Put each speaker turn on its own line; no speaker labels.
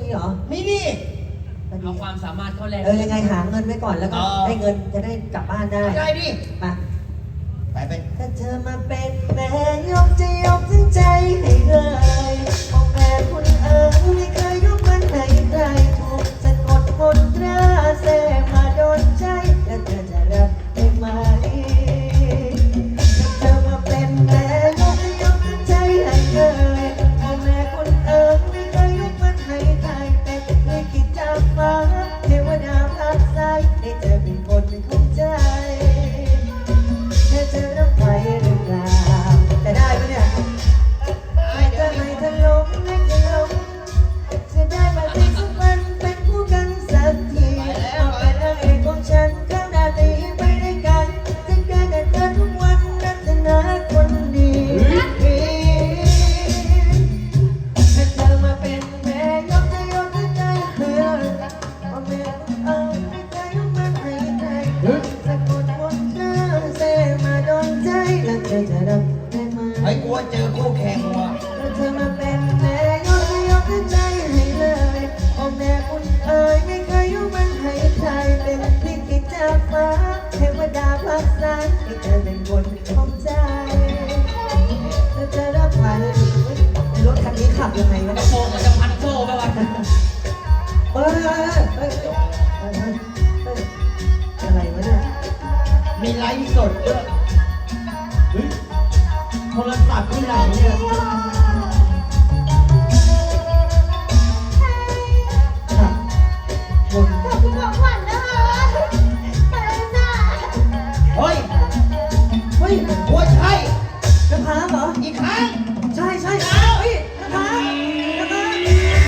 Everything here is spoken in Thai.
เหรอ
มีดิ
เอาความสามารถเขาแลก
ยังไงหาเงินไว้ก่อนแล้วก็ได้เงินจะได้กลับบ้านได้
ได้ดิ
มา
ไป
ถ้าเธอมาเป็นแม่ยกจะยกทั้งใจให้เลยมองแม่คุณไม่เคยยกมันให้ใครถูกสะกดมนตราเสมาโดนใจแล้วเธอจะรับได้ไหมถ้าเธอมาเป็นแม่ยกจะยกทั้งใจให้เลยมองแม่คุณไม่เคยยกมันให้ใครเป็นลิขิตจากฟ้าเทวดาพักใจให้เธอเป็นคนของใจเธอรับไหวหรือเปล่าแต่ได้ปะเนี่ยไม่เธอล้มไม่เธอล้มจะได้มาเป็นสักวันเป็นคู่กันสักทีเอาเป็นนางเอกของฉันข้างหน้าตีไปด้วยกันจะเกิดกับเธอทุกวันรัตนาคนดีถ้าเธอมาเป็นแม่ยกจะยกใจเธอเอาแม่ไม่เคยยกมันให้ใครสะกดมนตราเสมาโดนใจแล้วเธอจะรับได้ไหม
ไอ้กลัวเจอคู่แข่งว่ะ
ถ้าเธอมาเป็นแม่ยกจะยกใจให้เลยโอ้แม่คุณไม่เคยยกมันให้ใครเป็นลิขิตจากฟ้าเทวดาพักสายให้เธอเป็นคนของใจเธอจะรับไหวรถคันนี้ขับยังไงวะ
กระโปรงมันจะพันโซ่ไปวะ
อะไรวะเนี่ย
มีไลฟ์สดด้วย